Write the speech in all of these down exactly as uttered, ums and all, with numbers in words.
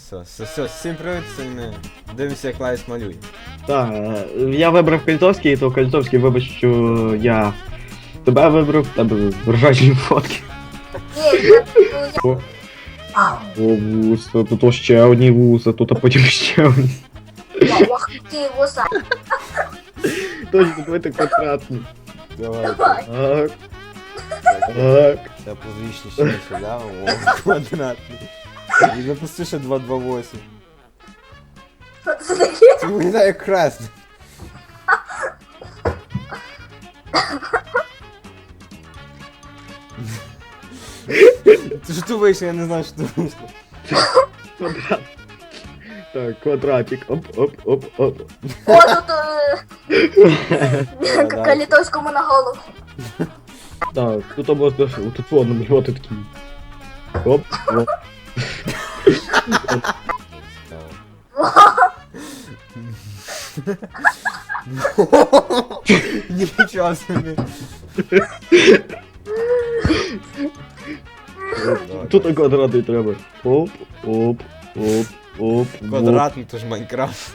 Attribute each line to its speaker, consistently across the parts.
Speaker 1: Все, все, все, всім привіт, сьогодні ми дивимося, як Лайс малює.
Speaker 2: Так, я вибрав Кольцовський, то Кольцовський, вибач, що я тебе вибрав, тебе вражаючі фотки. О, о, вуса, тут ще одні вуса, тут а потім ще одні.
Speaker 3: Ох ти, вуса.
Speaker 2: Точно, давайте квадратні.
Speaker 1: Давай.
Speaker 2: Так. Так.
Speaker 1: Це позвічні ще сюди, о, квадратний. І запусти ще два два вісім.
Speaker 3: Що це таке?
Speaker 1: Це виглядає як хрест. Ти що тут вийшло, я не знаю, що тут вийшло.
Speaker 2: Квадрат. Так, квадратик. Оп, оп, оп, оп.
Speaker 3: О, тут е, Калітовському на голову.
Speaker 2: Так, тут або тут воно намалювати такі. Оп, оп.
Speaker 1: Нічого собі.
Speaker 2: Тут квадратний треба. Оп, оп, оп, оп.
Speaker 1: Квадратний, то ж Майнкрафт.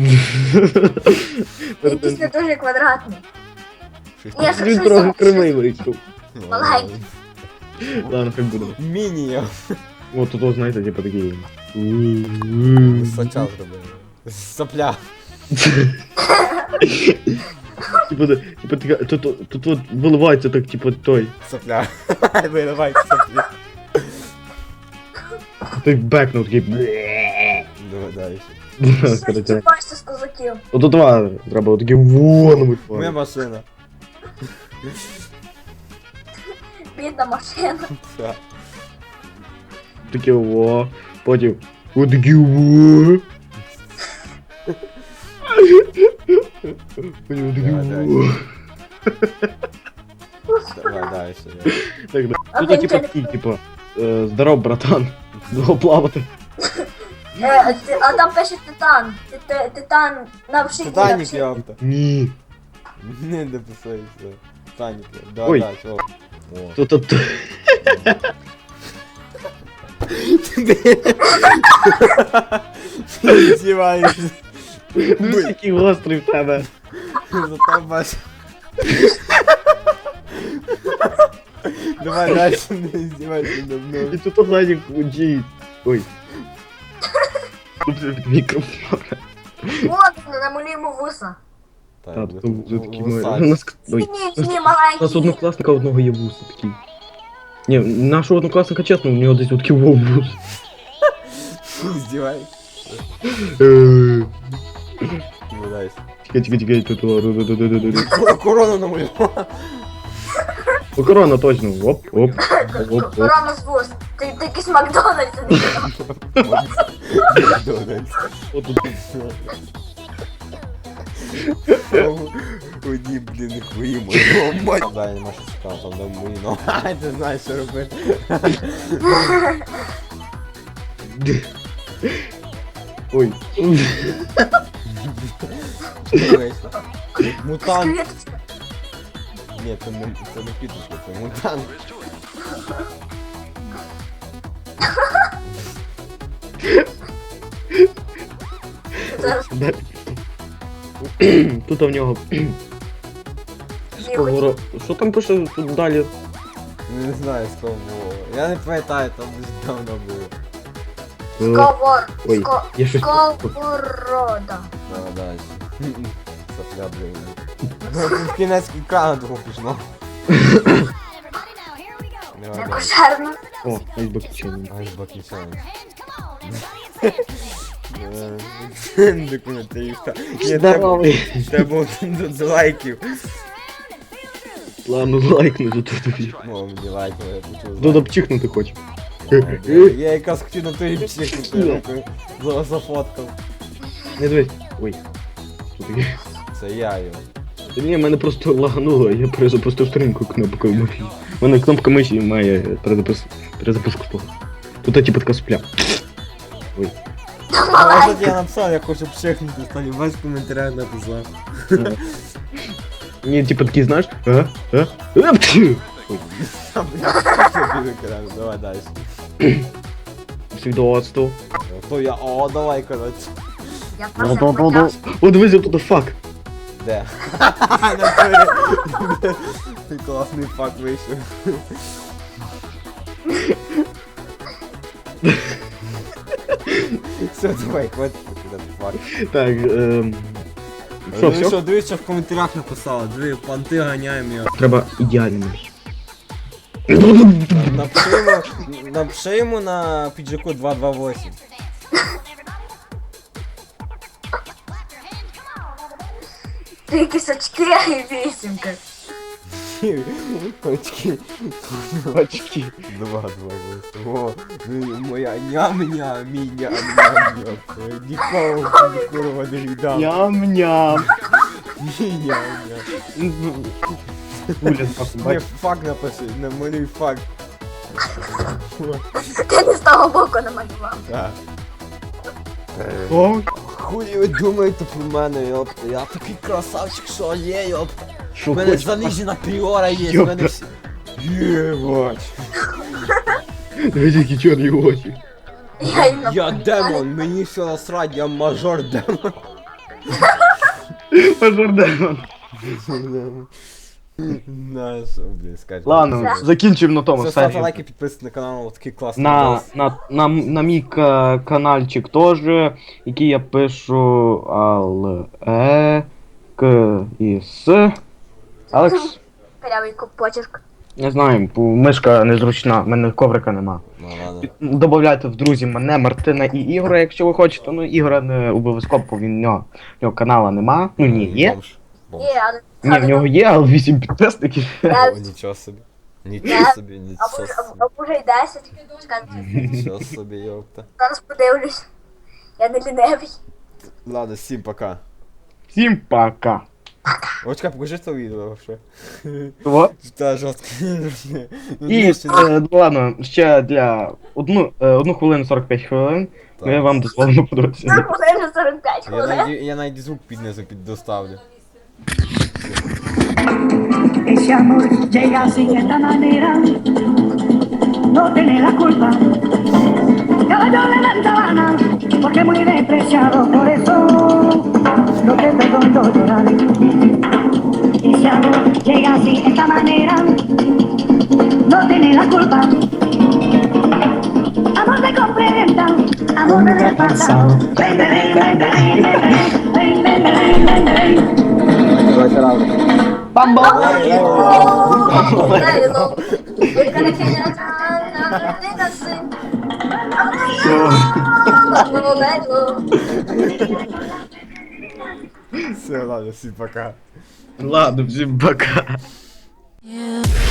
Speaker 3: Якийсь не дуже квадратний. Ні, що
Speaker 2: Він
Speaker 3: щось
Speaker 2: трохи
Speaker 3: там-
Speaker 2: кривий вийшов.
Speaker 3: Маленький.
Speaker 2: Ладно, хай буде.
Speaker 1: Міні.
Speaker 2: От тут, знаєте, типа такі.
Speaker 1: Сача зробили. Сопля.
Speaker 2: Типа, типа, така- тут, тут, тут, тут виливається так, типа, той.
Speaker 1: Сопля. Виливай сопля.
Speaker 2: Той бекнув такий.
Speaker 1: Давай далі.
Speaker 3: Щось
Speaker 2: Короче.
Speaker 3: бачите з козаків.
Speaker 2: Ото два треба такі вон.
Speaker 1: Моя машина.
Speaker 3: Бідна машина.
Speaker 1: Все.
Speaker 2: Такі во. Потім. О, такі во. Потім такі
Speaker 1: Давай,
Speaker 2: во.
Speaker 1: Давай далі.
Speaker 2: Так, да.
Speaker 3: А
Speaker 2: Тут
Speaker 3: він
Speaker 2: типа
Speaker 3: телефон.
Speaker 2: такий, типа. е, Здоров, братан. Довго плавати.
Speaker 3: Е, ти- А там пише Титан. Ти- ти- Титан на вшиті.
Speaker 1: Титанік, йопта.
Speaker 2: Ні.
Speaker 1: Не дописується. Титанік. Да,
Speaker 2: Ой.
Speaker 1: да, чого. О.
Speaker 2: Тут тут.
Speaker 1: Ти здіваєшся.
Speaker 2: Ну який гострий в тебе.
Speaker 1: Зато бач. Давай далі, не здівайся над
Speaker 2: І
Speaker 1: мною.
Speaker 2: тут ззаді джі. Ой. Тут мікрофон.
Speaker 3: От, намалюємо вуса.
Speaker 2: Так, тут вже такі ми.
Speaker 1: вусач.
Speaker 2: У нас ой.
Speaker 3: Ні, ні,
Speaker 2: У нас
Speaker 3: маленький.
Speaker 2: однокласника одного є вуси такі. Ні, нашого однокласника, чесно, у нього десь такі вов вус.
Speaker 1: Здіваєшся.
Speaker 2: Е,
Speaker 1: Ну дай.
Speaker 2: Чекай, чекай, чекай, тут.
Speaker 1: Кор- Корону намалював.
Speaker 2: О, корона, точно. Оп, оп, оп, оп.
Speaker 3: Корона з вус. Ти ти якийсь Макдональдс.
Speaker 2: От тут.
Speaker 1: Одні, блін, не хвої мої. Мать. Дай, нема що цікаво, там де мої, ну. Ай, ти знаєш, що робити.
Speaker 2: Ой.
Speaker 1: Що вийшло? Мутант.
Speaker 3: Квіточка.
Speaker 1: Ні, це не, це не квіточка, це мутант.
Speaker 3: Зараз
Speaker 2: Далі. Тут в нього. Сковоро- Що там пише тут далі?
Speaker 1: Не знаю, з кого було. Я не пам'ятаю, там десь давно було.
Speaker 3: Сковор.
Speaker 2: Ой,
Speaker 3: Ско-
Speaker 2: я щось.
Speaker 3: Сковорода.
Speaker 1: Давай далі. Сопля, блін. Ну, тут кінець екрану того пішло. Давай
Speaker 3: Не
Speaker 1: далі.
Speaker 3: кошерно.
Speaker 2: О, айсбек чайний.
Speaker 1: Ай, бакнічан. Документарista. Ні,
Speaker 2: Здоровий.
Speaker 1: треба тут за лайків.
Speaker 2: Ладно, лайкну тут.
Speaker 1: О, мені лайкнули, я почув.
Speaker 2: Додо пчихнути хочу.
Speaker 1: Я якраз хотів на той психіку за- зафоткав.
Speaker 2: Не дивись. Ой. Що таке?
Speaker 1: Це я його.
Speaker 2: Та ні, мене просто лагануло, я перезапустив сторінку кнопкою миші. У мене кнопка миші має перезапис... перезапуску того. Тут типу така сопля. Ой.
Speaker 1: А от я написав, я хочу психнути, стані весь коментарях написав.
Speaker 2: Ні, типу такий, знаєш? А? А? А? Пф! Ой.
Speaker 1: Давай далі.
Speaker 2: свідоцтво.
Speaker 1: То я, о, давай, коротше.
Speaker 3: Я
Speaker 2: Ну,
Speaker 3: просто
Speaker 2: ну, ну, ну.
Speaker 3: потяг.
Speaker 2: О, дивися, тут фак.
Speaker 1: Де? Натурі. Ти класний факт вийшов. Все, давай, хватить этот факт.
Speaker 2: Так, ем... Що,
Speaker 1: Ну
Speaker 2: все?
Speaker 1: що, дивись, що в коментарях написала. Диви, панти ганяємо його.
Speaker 2: Треба ідеально.
Speaker 1: Напиши йому, напиши йому на піджаку два два вісім.
Speaker 3: Три кисочки і вісімка.
Speaker 1: Очки.
Speaker 2: Очки.
Speaker 1: Два два вісім. О, ну, моя ням-ням, мій ням-ням-ням. Нікому, курва, не віддам.
Speaker 2: Ням-ням.
Speaker 1: Мій ням-ням.
Speaker 2: Уліт,
Speaker 1: Не
Speaker 2: бач.
Speaker 1: факт напиши, намалюй факт.
Speaker 3: Ти не з того боку намалював.
Speaker 1: Так.
Speaker 2: О,
Speaker 1: Хуй ви думаєте про мене, йопта, я такий красавчик, що є, йопта.
Speaker 2: що
Speaker 1: У мене
Speaker 2: хочеш?
Speaker 1: занижена пріора є, у
Speaker 2: Йопта.
Speaker 1: мене всі... Єбать.
Speaker 2: Дивись, які чорні очі.
Speaker 3: Я, їм
Speaker 1: Я
Speaker 3: написала.
Speaker 1: демон, мені все насрать, я мажор демон.
Speaker 2: Пожардемон.
Speaker 1: На що, блін, скажи.
Speaker 2: Ладно, закінчимо на тому
Speaker 1: Все, ставте
Speaker 2: серію.
Speaker 1: лайки, підписуйтесь на канал, такий класний
Speaker 2: На,
Speaker 1: відос.
Speaker 2: на, на, на мій ка- каналчик теж, який я пишу Ал, Е, К і С. Алекс,
Speaker 3: Прямий почерк.
Speaker 2: не знаю, бо мишка незручна, в мене коврика нема.
Speaker 1: Ну ладно.
Speaker 2: Добавляйте в друзі мене, Мартина і Ігора, якщо ви хочете. Ну, Ігора не обов'язково, бо він в нього, в нього канала нема. Ну ні, є.
Speaker 1: Бомж. Бомж.
Speaker 3: Ні, але...
Speaker 2: Ні, в нього є, але вісім підписників.
Speaker 3: Я-
Speaker 1: О, нічого собі. Нічого собі,
Speaker 3: Або,
Speaker 1: нічого
Speaker 3: або,
Speaker 1: собі.
Speaker 3: або вже й десять. Чекайте,
Speaker 1: Нічого собі, йопта.
Speaker 3: зараз подивлюсь. Я не лінивий.
Speaker 1: Ладно, всім пока.
Speaker 2: Всім пока.
Speaker 1: Очка, покажи це відео ще.
Speaker 2: Вот.
Speaker 1: Та жорстко. Ну,
Speaker 2: І,
Speaker 1: ні, ще не-
Speaker 2: е, ладно, ще для одну, е, одну хвилину сорок п'ять хвилин ми
Speaker 1: Так.
Speaker 2: вам дозволимо подивитися.
Speaker 3: Це хвилин сорок п'ять
Speaker 1: Я
Speaker 3: хвилин.
Speaker 1: навіть, я навіть звук піднизу під доставлю.
Speaker 4: Ese amor llega así de esta manera, no tiene la culpa. Caballo de la sabana, porque muy despreciado, por eso no te perdono llorar. Ese amor llega así de esta manera, no tiene la culpa. Amor de complementa, amor de pasado. Ven, ven, ven, ven, ven, ven, ven, ven, ven, ven.
Speaker 2: Бамбо!
Speaker 3: Лейло. Яка
Speaker 1: Все, ладно, всім пока.
Speaker 2: Ладно, всім пока.
Speaker 5: You